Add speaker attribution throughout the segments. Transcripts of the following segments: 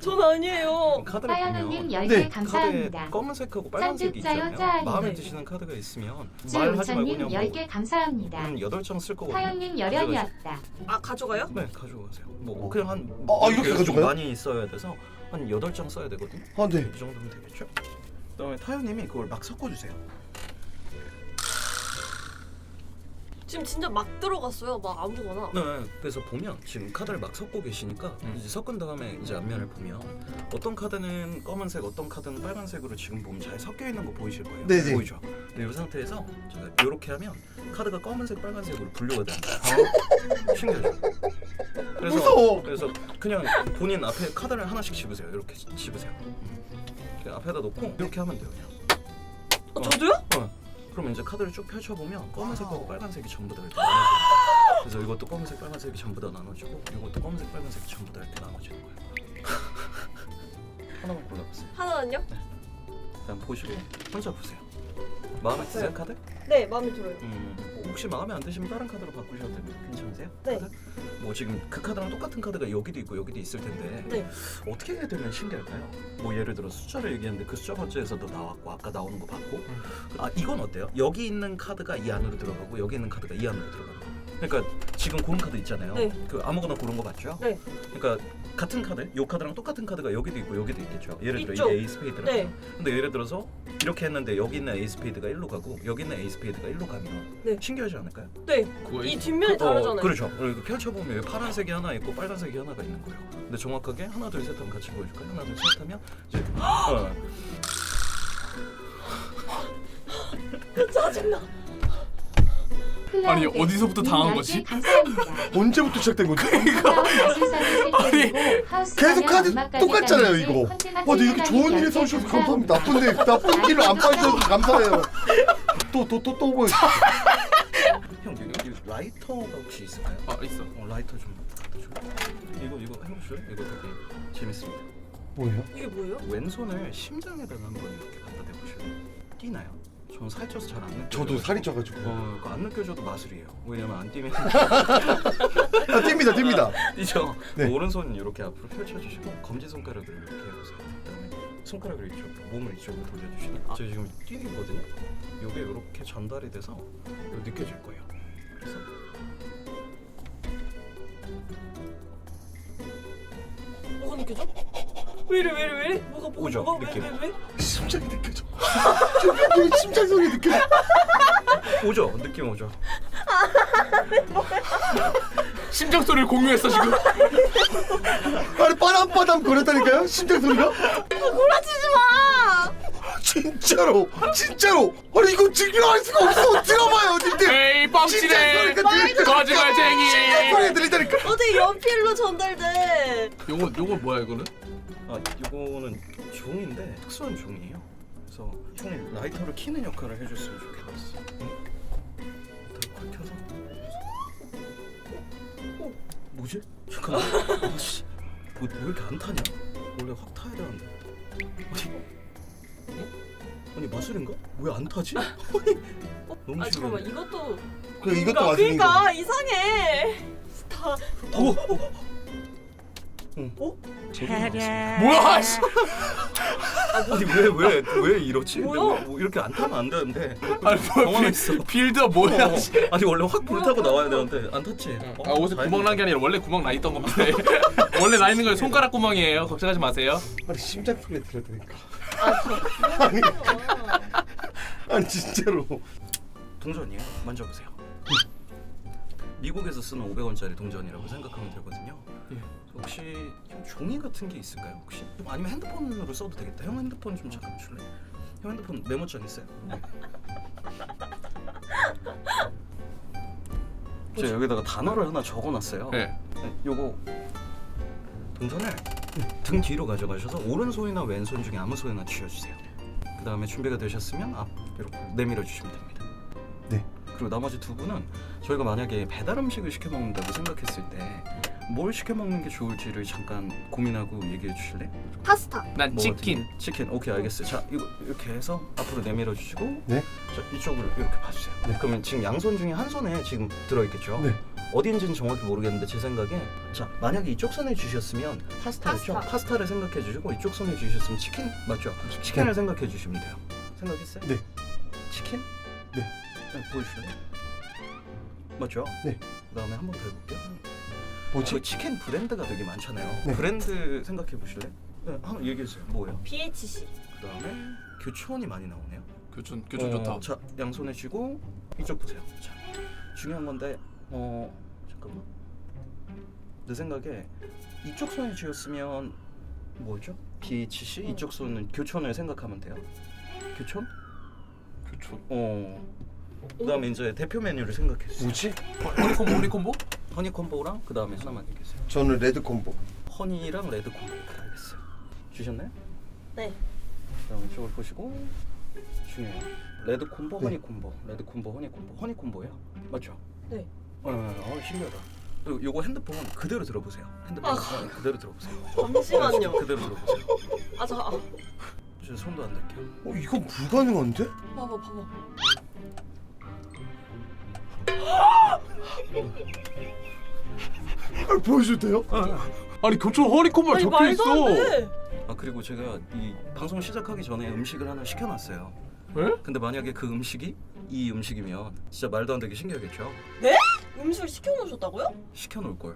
Speaker 1: 전 아니에요.
Speaker 2: 카드를
Speaker 3: 하연우님
Speaker 2: 보면
Speaker 3: 10개
Speaker 4: 네.
Speaker 3: 감사합니다.
Speaker 2: 카드에 검은색하고 빨간색이
Speaker 3: 짠짜요,
Speaker 2: 있잖아요.
Speaker 3: 짠.
Speaker 2: 마음에
Speaker 1: 네.
Speaker 2: 드시는 카드가 있으면 말하지 말고
Speaker 3: 지우찬님
Speaker 2: 그냥
Speaker 3: 10개 감사합니다.
Speaker 2: 한 8장 쓸 거거든요.
Speaker 3: 하연님 열연이었다.
Speaker 1: 아 가져가요?
Speaker 2: 네, 가져가세요. 뭐 그냥 한
Speaker 4: 이렇게
Speaker 2: 좀
Speaker 4: 가져가요?
Speaker 2: 많이 써야 돼서 한 8장 써야 되거든요.
Speaker 4: 아, 네.
Speaker 2: 이 정도면 되겠죠? 그다음에 타요님이 그걸 막 섞어주세요.
Speaker 1: 지금 진짜 막 들어갔어요. 막 아무거나.
Speaker 2: 네, 그래서 보면 지금 카드를 막 섞고 계시니까 이제 섞은 다음에 이제 앞면을 보면 어떤 카드는 검은색, 어떤 카드는 빨간색으로 지금 보면 잘 섞여 있는 거 보이실 거예요.
Speaker 4: 네네.
Speaker 2: 보이죠? 근데 이 상태에서 제가 이렇게 하면 카드가 검은색, 빨간색으로 분류가 됩니다. 신기하죠? 그래서
Speaker 4: 무서워.
Speaker 2: 그래서 그냥 본인 앞에 카드를 하나씩 집으세요. 이렇게 집으세요. 그냥 앞에다 놓고 이렇게 하면 돼요. 그냥.
Speaker 1: 저도요?
Speaker 2: 그럼 이제 카드를 쭉 펼쳐보면 검은색하고 빨간색이 전부 다 이렇게 나눠져요. 그래서 이것도 검은색, 빨간색이 전부 다 나눠지고 이것도 검은색, 빨간색이 전부 다 이렇게 나눠지는 거예요. 하나만 골라보세요.
Speaker 1: 하나는요?
Speaker 2: 일단 보시고 혼자 보세요. 마음에 드세요 카드?
Speaker 1: 네, 마음에 들어요.
Speaker 2: 혹시 마음에 안 드시면 다른 카드로 바꾸셔도 됩니다. 괜찮으세요?
Speaker 1: 네.
Speaker 2: 카드? 뭐 지금 그 카드랑 똑같은 카드가 여기도 있고 여기도 있을 텐데
Speaker 1: 네.
Speaker 2: 어떻게 해야 되면 신기할까요? 뭐 예를 들어 숫자를 얘기했는데 그 숫자 번째에서도 나왔고 아까 나오는 거 봤고 아 이건 어때요? 여기 있는 카드가 이 안으로 들어가고 여기 있는 카드가 이 안으로 들어가고 그러니까 지금 고른 카드 있잖아요.
Speaker 1: 네.
Speaker 2: 그 아무거나 고른 거 맞죠?
Speaker 1: 네.
Speaker 2: 그러니까 같은 카드, 이 카드랑 똑같은 카드가 여기도 있고 여기도 있겠죠. 예를 들어
Speaker 1: 있죠.
Speaker 2: 이게 에이스 스페이드라.
Speaker 1: 네.
Speaker 2: 근데 예를 들어서 이렇게 했는데 여기 있는 에이스 스페이드가 1로 가고 여기 있는 에이스 스페이드가 1로 가면
Speaker 1: 네.
Speaker 2: 신기하지 않을까요?
Speaker 1: 네. 이 뒷면이 다르잖아요.
Speaker 2: 그렇죠. 그리고 펼쳐보면 여기 파란색이 하나 있고 빨간색이 하나가 있는 거예요. 근데 정확하게 하나 둘 셋 하면 같이 보여줄까요? 하나 둘 셋 하면 이제
Speaker 1: 짜증나.
Speaker 3: 아니
Speaker 5: 어디서부터 당한 거지?
Speaker 3: 감사합니다.
Speaker 4: 언제부터 시작된 거지?
Speaker 3: 아니
Speaker 4: 계속 카드 똑같잖아요, 이거. 근데 이렇게 좋은 일에 써주셔서 감사합니다. 나쁜 일을 안 빠져서 감사해요. 또 뭐.
Speaker 2: 형 여기 라이터가 혹시 있을까요?
Speaker 5: 있어.
Speaker 2: 라이터 좀 갖다 줘. 이거 해보실래요? 이거 되게 재밌습니다.
Speaker 4: 뭐예요?
Speaker 1: 이게 뭐예요?
Speaker 2: 왼손을 심장에다가 한번 이렇게 갖다 대보실래요? 뛰나요? 저는 살쪄서 잘 안 느껴요.
Speaker 4: 저도 살이 쪄가지고.
Speaker 2: 그거 안 느껴져도 마술이에요. 왜냐면 안 뛰면
Speaker 4: 뜁니다.
Speaker 2: 뛰죠.
Speaker 4: 네.
Speaker 2: 오른손 이렇게 앞으로 펼쳐주시고 검지 손가락을 이렇게 해보세요. 그다음에 손가락을 이쪽, 몸을 이쪽으로 돌려주시면 저 지금 뛰거든요. 이게 이렇게 전달이 돼서 느껴질 거예요. 그래서
Speaker 1: 뭐가 느껴져? 왜 이래? 뭐가
Speaker 2: 오죠, 느낌.
Speaker 1: 왜?
Speaker 4: 심장이 느껴져. 저 심장 소리 느껴져.
Speaker 2: 오죠, 느낌 오죠.
Speaker 5: 심장 소리를 공유했어 지금.
Speaker 4: 아니 빠담빠담 거렸다니까요? 심장 소리가?
Speaker 1: 구라치지 마.
Speaker 4: 진짜로. 아니 이거 증명할 수가 없어. 들어봐요, 님들.
Speaker 5: 에이 뻥치네. 거짓말쟁이.
Speaker 4: 심장 소리가 들리다니까.
Speaker 1: 어떻게 연필로 전달돼?
Speaker 5: 요거 뭐야 이거는?
Speaker 2: 이거는 종인데 특수한 종이에요. 그래서 형이 라이터를 키는 역할을 해줬으면 좋겠어. 더 켜서. 뭐지? 잠깐만. 아씨, 왜 이렇게 안 타냐? 원래 확 타야 되는데. 아니 마술인가? 왜 안 타지? 너무
Speaker 1: 잠깐만
Speaker 2: 신기해.
Speaker 1: 이것도.
Speaker 4: 이것도 맞는 거.
Speaker 1: 그러니까 이상해. 다.
Speaker 5: 뭐야? 씨.
Speaker 2: 아니 왜 이러지?
Speaker 1: 뭐야?
Speaker 2: 뭐 이렇게 안 타면 안 되는데.
Speaker 5: 아니
Speaker 2: 당황했어.
Speaker 5: 빌드가 뭐야?
Speaker 2: 아니 원래 확 불타고 나와야 되는데 안 탔지.
Speaker 5: 옷에 구멍 난 게 아니라 원래 구멍 나 있던 겁니다. 원래 나 있는 건 손가락 구멍이에요. 걱정하지 마세요.
Speaker 4: 아니 심장 소리가 들렸다니까.
Speaker 1: 아니.
Speaker 4: 아니 진짜로.
Speaker 2: 동전이에요. 만져보세요. 미국에서 쓰는 500원짜리 동전이라고 생각하면 되거든요. 혹시 형 종이 같은 게 있을까요? 혹시? 아니면 핸드폰으로 써도 되겠다. 형 핸드폰 좀 잠깐 줄래? 형 핸드폰 메모장 있어요? 네. 제가 여기다가 단어를 하나 적어놨어요.
Speaker 5: 네.
Speaker 2: 요거 동전을 등 뒤로 가져가셔서 오른손이나 왼손 중에 아무 손이나 쥐어주세요. 그 다음에 준비가 되셨으면 앞 이렇게 내밀어 주시면 됩니다.
Speaker 4: 네.
Speaker 2: 그리고 나머지 두 분은 저희가 만약에 배달 음식을 시켜 먹는다고 생각했을 때 뭘 시켜 먹는 게 좋을지를 잠깐 고민하고 얘기해 주실래?
Speaker 1: 파스타.
Speaker 5: 난
Speaker 2: 뭐
Speaker 5: 치킨.
Speaker 2: 어떻게? 치킨. 오케이 알겠어요. 자 이거 이렇게 해서 앞으로 내밀어 주시고
Speaker 4: 네.
Speaker 2: 자 이쪽으로 이렇게 봐주세요.
Speaker 4: 네.
Speaker 2: 그러면 지금 양손 중에 한 손에 지금 들어있겠죠?
Speaker 4: 네.
Speaker 2: 어디인지는 정확히 모르겠는데 제 생각에 자 만약에 이쪽 손에 주셨으면 파스타였죠?
Speaker 1: 파스타.
Speaker 2: 파스타를 생각해 주시고 이쪽 손에 주셨으면 치킨 맞죠? 치킨을 생각해 주시면 돼요. 생각했어요?
Speaker 4: 네.
Speaker 2: 치킨?
Speaker 4: 네.
Speaker 2: 보여주실래요? 맞죠?
Speaker 4: 네.
Speaker 2: 그다음에 한 번 더 해볼게요.
Speaker 4: 뭐지?
Speaker 2: 그 치킨 브랜드가 되게 많잖아요.
Speaker 4: 네.
Speaker 2: 브랜드 생각해 보실래? 네, 한번 얘기해 주세요. 뭐예요?
Speaker 1: BHC.
Speaker 2: 그다음에 교촌이 많이 나오네요.
Speaker 5: 교촌 좋다.
Speaker 2: 자 양손에 쥐고 이쪽 보세요. 자 중요한 건데 잠깐만. 내 생각에 이쪽 손에 쥐었으면 뭐죠? BHC 이쪽 손은 교촌을 생각하면 돼요. 교촌?
Speaker 5: 교촌.
Speaker 2: 그다음에 이제 대표 메뉴를 생각해 주세요.
Speaker 4: 뭐지?
Speaker 5: 허니콤보?
Speaker 2: 허니 콤보랑 그다음에 하나만 얘기해주세요.
Speaker 4: 저는 레드 콤보.
Speaker 2: 허니랑 레드 콤보. 알겠어요. 주셨나요?
Speaker 1: 네.
Speaker 2: 그다음에 이쪽을 보시고 중요해요. 레드 콤보,
Speaker 4: 네.
Speaker 2: 허니 콤보, 레드 콤보, 허니 콤보, 허니 콤보예요? 맞죠?
Speaker 1: 네.
Speaker 2: 신기하다. 그리고 요거 핸드폰 그대로 들어보세요. 핸드폰 그대로 들어보세요.
Speaker 1: 잠시만요.
Speaker 2: 그대로 들어보세요.
Speaker 1: 저
Speaker 2: 저 손도 안 댈게요.
Speaker 4: 이건 불가능한데?
Speaker 1: 봐봐.
Speaker 4: 보여줘도 돼요?
Speaker 5: 아니 교촌 허니콤보가
Speaker 1: 아니
Speaker 5: 적혀
Speaker 1: 말도 안
Speaker 5: 있어.
Speaker 1: 돼.
Speaker 2: 그리고 제가 이 방송 시작하기 전에 음식을 하나 시켜놨어요.
Speaker 5: 에?
Speaker 2: 근데 만약에 그 음식이 이 음식이면 진짜 말도 안 되게 신기하겠죠?
Speaker 1: 음식을 시켜놓으셨다고요?
Speaker 2: 시켜놓을 걸.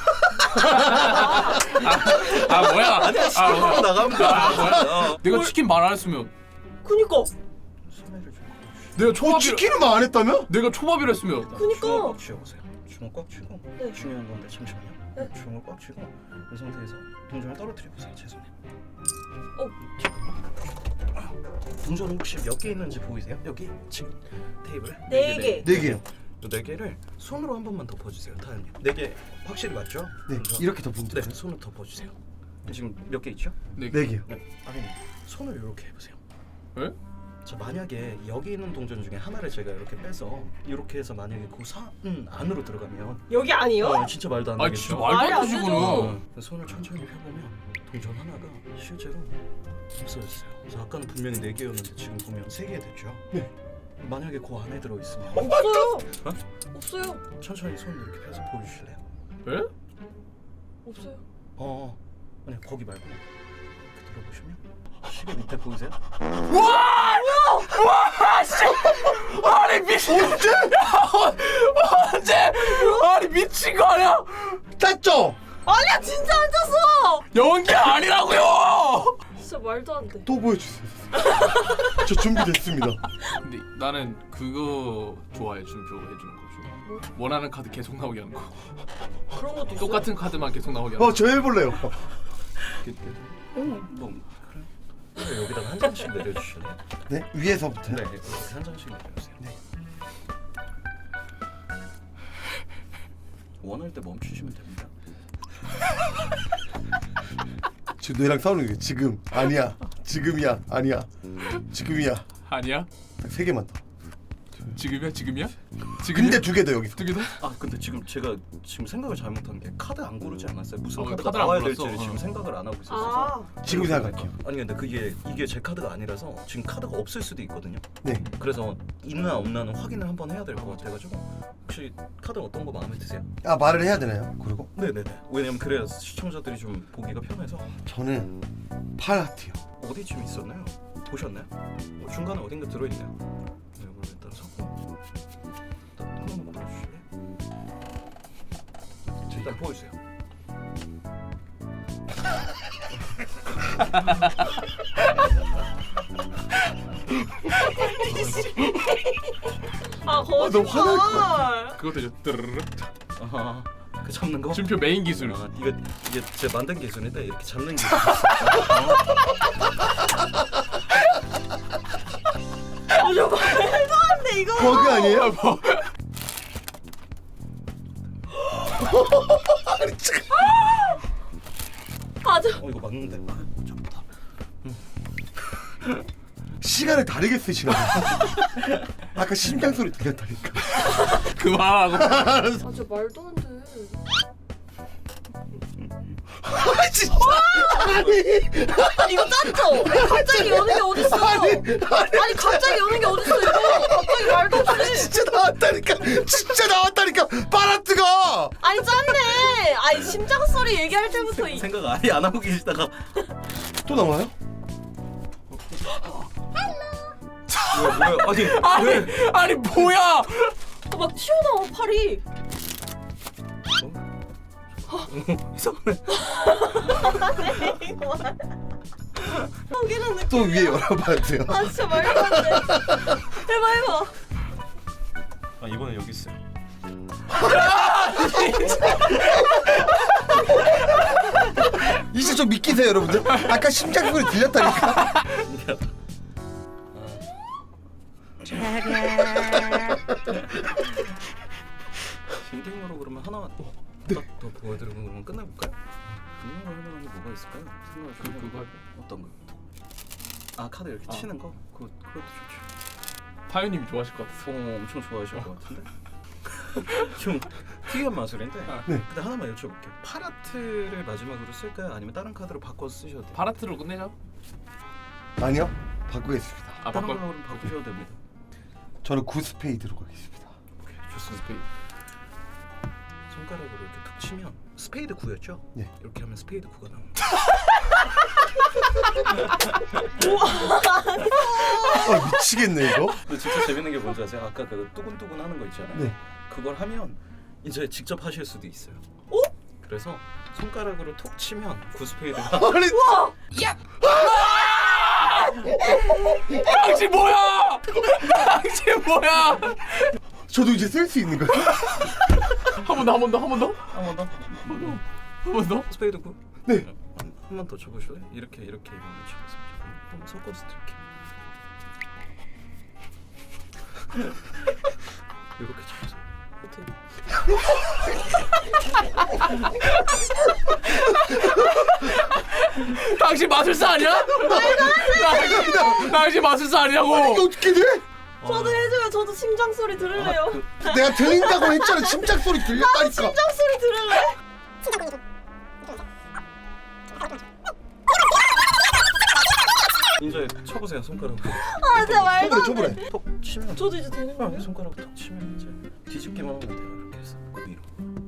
Speaker 5: 아 뭐야?
Speaker 2: 아니야 시켜놓고 나가면 돼.
Speaker 5: 내가 치킨 말 안 했으면
Speaker 1: 그니까.
Speaker 2: 소매를 좀
Speaker 5: 내가 초밥이
Speaker 4: 치킨을 말 안 했다며?
Speaker 5: 내가 초밥이라 했으면
Speaker 1: 그니까.
Speaker 2: 주먹 꽉 쥐어보세요. 주먹 꽉 쥐고
Speaker 1: 네.
Speaker 2: 중요한 건데 잠시만요.
Speaker 1: 네.
Speaker 2: 주먹을 꽉 쥐고 이 상태에서 동전을 떨어뜨려 보세요. 제 손에. 동전 혹시 몇 개 있는지 보이세요? 여기 지금 테이블에
Speaker 1: 네 개.
Speaker 4: 네 개요.
Speaker 2: 네 개를 손으로 한 번만 덮어주세요, 타연님. 4개 확실히 맞죠?
Speaker 4: 네.
Speaker 2: 동전.
Speaker 4: 이렇게 덮으면
Speaker 2: 네,
Speaker 4: 돼요.
Speaker 2: 손으로 덮어주세요. 지금 몇 개 있죠?
Speaker 5: 네.
Speaker 4: 네 개요.
Speaker 2: 네, 아니 손을 이렇게 해보세요.
Speaker 5: 에?
Speaker 2: 자 만약에 여기 있는 동전 중에 하나를 제가 이렇게 빼서 이렇게 해서 만약에 그 산 안으로 들어가면
Speaker 1: 여기 아니요?
Speaker 2: 진짜 말도 안
Speaker 5: 아
Speaker 2: 되겠죠?
Speaker 5: 진짜 말도
Speaker 1: 말이
Speaker 5: 안
Speaker 1: 안
Speaker 5: 되지
Speaker 1: 되죠.
Speaker 5: 그는.
Speaker 2: 손을 천천히 펴보면 동전 하나가 실제로 없어졌어요. 그래서 아까는 분명히 4개였는데 지금 보면 3개 됐죠?
Speaker 4: 네.
Speaker 2: 만약에 그 안에 들어있으면
Speaker 1: 없어요.
Speaker 2: 어?
Speaker 1: 없어요.
Speaker 2: 천천히 손 이렇게 펴서 보여주실래요?
Speaker 5: 에?
Speaker 1: 없어요.
Speaker 2: 아니 거기 말고 이렇게 들어보시면 시계 밑에 보이세요?
Speaker 5: 아니 미친. 언제? 아니 미친 거 아니야?
Speaker 4: 땄죠?
Speaker 1: 아니야 진짜 안 쳤어.
Speaker 5: 연기 아니라고요.
Speaker 1: 진짜 말도 안 돼.
Speaker 4: 또 보여주세요. 저 준비됐습니다.
Speaker 5: 근데 나는 그거 좋아해 준표 해주는 거
Speaker 1: 뭐?
Speaker 5: 좋아. 원하는 카드 계속 나오게 하는 거.
Speaker 1: 그런 것도 있어요?
Speaker 5: 똑같은 카드만 계속 나오게 하는 거.
Speaker 4: 저 해볼래요.
Speaker 2: 뭐 그래 여기다가 한 장씩 내려주실래요?
Speaker 4: 네? 위에서부터요?
Speaker 2: 네 이렇게 한 장씩 내려주세요.
Speaker 4: 네.
Speaker 2: 원할 때 멈추시면 됩니다.
Speaker 4: 저 너랑 싸우는 게 지금 아니야. 지금이야. 아니야. 지금이야.
Speaker 5: 아니야?
Speaker 4: 딱 3개만 더.
Speaker 5: 지금이야? 지금이야?
Speaker 4: 근데 2개 더 여기서.
Speaker 5: 두 개 더?
Speaker 2: 근데 제가 생각을 잘못한 게 카드 안 고르지 않았어요. 무슨 카드가
Speaker 5: 카드를 안
Speaker 2: 나와야
Speaker 5: 골랐어.
Speaker 2: 될지를 지금 생각을 안 하고 있었어서.
Speaker 4: 지금 생각할게요.
Speaker 2: 아니 근데 이게 제 카드가 아니라서 지금 카드가 없을 수도 있거든요.
Speaker 4: 네.
Speaker 2: 그래서 있나 없나는 확인을 한번 해야 될 것 같아가지고 혹시 카드 어떤 거 마음에 드세요?
Speaker 4: 말을 해야 되나요? 그리고
Speaker 2: 네네네. 왜냐면 그래야 시청자들이 좀 보기가 편해서.
Speaker 4: 저는 팔하트요.
Speaker 2: 어디쯤 있었나요? 보셨나요? 중간에 어딘가 들어있네요. 네, 이걸 일단 섞고 일단 한번 보여주실래요? 일단 보여주세요.
Speaker 1: 거짓말.
Speaker 4: 너 화날
Speaker 5: 그거 되죠. 뜨르르.
Speaker 2: 아하, 그 잡는 거?
Speaker 5: 준표 메인 기술.
Speaker 2: 이게 제 만든 기술인데 이렇게 잡는 기술.
Speaker 1: 저 말도 안 돼 이거.
Speaker 4: 버그 아니에요?
Speaker 2: 이거 맞는데. 잡다.
Speaker 4: 시간을 다르게 쓰시나 봐요. 아까 심장 소리 들렸다니까.
Speaker 5: 그만하고.
Speaker 1: 저 말도 안 돼.
Speaker 4: 진짜. 아니
Speaker 1: 이거 짰죠? 갑자기 여는 게 어딨어? 아니 갑자기 여는 게 어딨어 이거? 갑자기 말도 없이.
Speaker 4: 진짜 나왔다니까 파라트가.
Speaker 1: 아니 짰네. 아니 심장 소리 얘기할 때부터
Speaker 2: 생각 아예 안 하고 계시다가
Speaker 4: 또 나와요?
Speaker 2: 뭐야?
Speaker 5: 아니 뭐야?
Speaker 1: 막 튀어나와 팔이.
Speaker 2: 이상하네.
Speaker 1: 여기는 느낌.
Speaker 4: 또 위에 열어봐야 돼요.
Speaker 1: 아 진짜 말도 안 돼. 해봐.
Speaker 2: 아 이번엔 여기 있어요.
Speaker 4: 이제 좀 믿기세요 여러분들. 아까 심장 소리 들렸다니까.
Speaker 2: 빈딩으로 그러면 하나 더 보여드리고 그러면 끝내볼까요? 빈딩으로 할 만한 게 뭐가 있을까요? 생각을 좀
Speaker 5: 그거
Speaker 2: 어떤 거? 아 카드 이렇게 치는 거? 그것도 좋죠.
Speaker 5: 타요님이 좋아하실 것 같아서.
Speaker 2: 엄청 좋아하실 것 같은데? 좀 특이한 마술인데
Speaker 4: 네.
Speaker 2: 근데 하나만 여쭤볼게요. 파라트를 마지막으로 쓸까요? 아니면 다른 카드로 바꿔서 쓰셔도 돼요?
Speaker 5: 파라트로 끝내자.
Speaker 4: 아니요 바꾸겠습니다.
Speaker 5: 아
Speaker 2: 다른
Speaker 5: 바꿔.
Speaker 2: 걸로 바꾸셔도 됩니다.
Speaker 4: 저는 9스페이드로 가겠습니다.
Speaker 2: 오케이 좋습니다. 손가락으로 이렇게 툭 치면 스페이드 9였죠?
Speaker 4: 네.
Speaker 2: 이렇게 하면 스페이드 9가 나옵니다.
Speaker 4: 아 미치겠네 이거.
Speaker 2: 근데 진짜 재밌는 게 뭔지 아세요? 아까 그 뚜근뚜근 하는 거 있잖아요.
Speaker 4: 네.
Speaker 2: 그걸 하면 이제 직접 하실 수도 있어요. 그래서 손가락으로 톡 치면 9스페이드가
Speaker 4: 아니
Speaker 5: 당신 뭐야? 당신 뭐야?
Speaker 4: 저도 이제 쓸 수 있는 거예요?
Speaker 5: 한 번 더.
Speaker 2: 한 번 더.
Speaker 5: 한 번 더.
Speaker 2: 스페이드 9.
Speaker 4: 네.
Speaker 2: 한 번 더 쳐보실래요? 이렇게 이번에 쳐보세요. 한번 섞어서 이렇게. 이렇게 쳐보세요. 어때요?
Speaker 5: 당신 마술사 아니야? 당신 마술사
Speaker 4: 이게
Speaker 5: 아니냐고?
Speaker 4: 어떻게 돼?
Speaker 1: 저도 해줘요. 저도 심장 소리 들을래요.
Speaker 4: 내가 들린다고 했잖아. 심장 소리 들렸다니까.
Speaker 1: 심장 소리 들을래?
Speaker 2: 이제 쳐보세요 손가락으로.
Speaker 1: 아 진짜 말도 안 돼.
Speaker 4: 쳐보래.
Speaker 2: 톡 치면.
Speaker 1: 저도 이제 되는 거예요?
Speaker 2: 손가락 톡 치면 이제 뒤집기만 하면 돼요. 이렇게 해서 위로.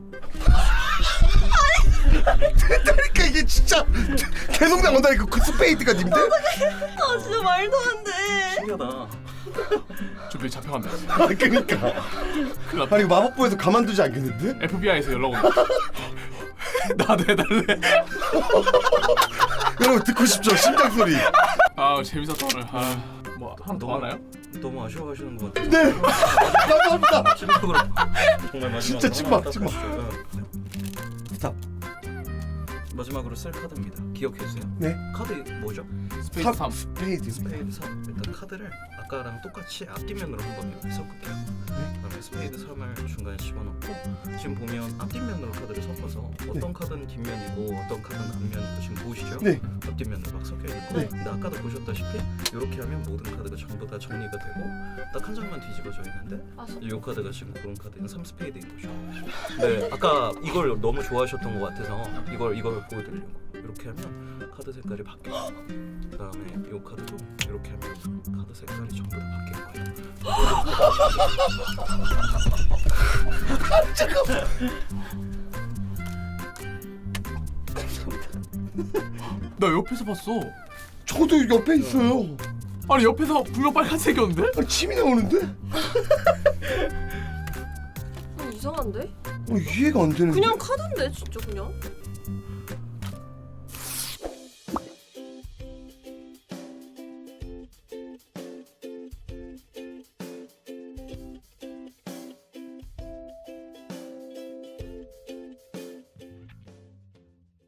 Speaker 4: 그러니까 이게 진짜 계속 나온다니까 9스페이드가 님들.
Speaker 1: 아 진짜 말도 안 돼.
Speaker 2: 신기하다.
Speaker 5: 준비 잡혀간다.
Speaker 4: 아 그러니까.
Speaker 5: 큰일 났다.
Speaker 4: 아니 마법부에서 가만두지 않겠는데?
Speaker 5: FBI에서 연락 온다. 나도 해달래.
Speaker 4: 여러분 듣고 싶죠? 심장 소리.
Speaker 5: 아 재밌었다 오늘. 뭐 하나 더 하나요?
Speaker 2: 너무 아쉬워하시는 것 같아요.
Speaker 4: 네. 감사합니다.
Speaker 2: 마지막으로 정말 마지막으로
Speaker 4: 진짜 찐막, 찐막. 스탑.
Speaker 2: 마지막으로 쓸 카드입니다. 기억해주세요.
Speaker 4: 네.
Speaker 2: 카드 뭐죠?
Speaker 5: 스페이스 3.
Speaker 4: 스페이드.
Speaker 2: 스페이드 3. 일단 카드를 아까랑 똑같이 앞뒷면으로 한번 이렇게 섞을게요. 그다음에 스페이드 3을 중간에 집어넣고 지금 보면 앞뒷면으로 카드를 섞어서 어떤 카드는 뒷면이고 어떤 카드는 앞면이고 지금 보이시죠?
Speaker 4: 네.
Speaker 2: 앞뒷면으로 막 섞여 있고
Speaker 4: 네.
Speaker 2: 근데 아까도 보셨다시피 이렇게 하면 모든 카드가 전부 다 정리가 되고 딱 한 장만 뒤집어져 있는데
Speaker 1: 아,
Speaker 2: 이 카드가 지금 그런 카드는 3스페이드인 거죠. 네, 아까 이걸 너무 좋아하셨던 것 같아서 이걸 보여드리려고 이렇게 하면 카드 색깔이 바뀌어요. 그다음에 이 카드도 이렇게 하면 카드 색깔이 전부 다 바뀌는 거예요.
Speaker 5: 나 옆에서 봤어.
Speaker 4: 저도 옆에 있어요.
Speaker 5: 아니 옆에서 분명 빨간색이었는데?
Speaker 4: 아니 침이 나오는데?
Speaker 1: 이상한데?
Speaker 4: 이해가 안 되는데.
Speaker 1: 그냥 카드인데 진짜 그냥.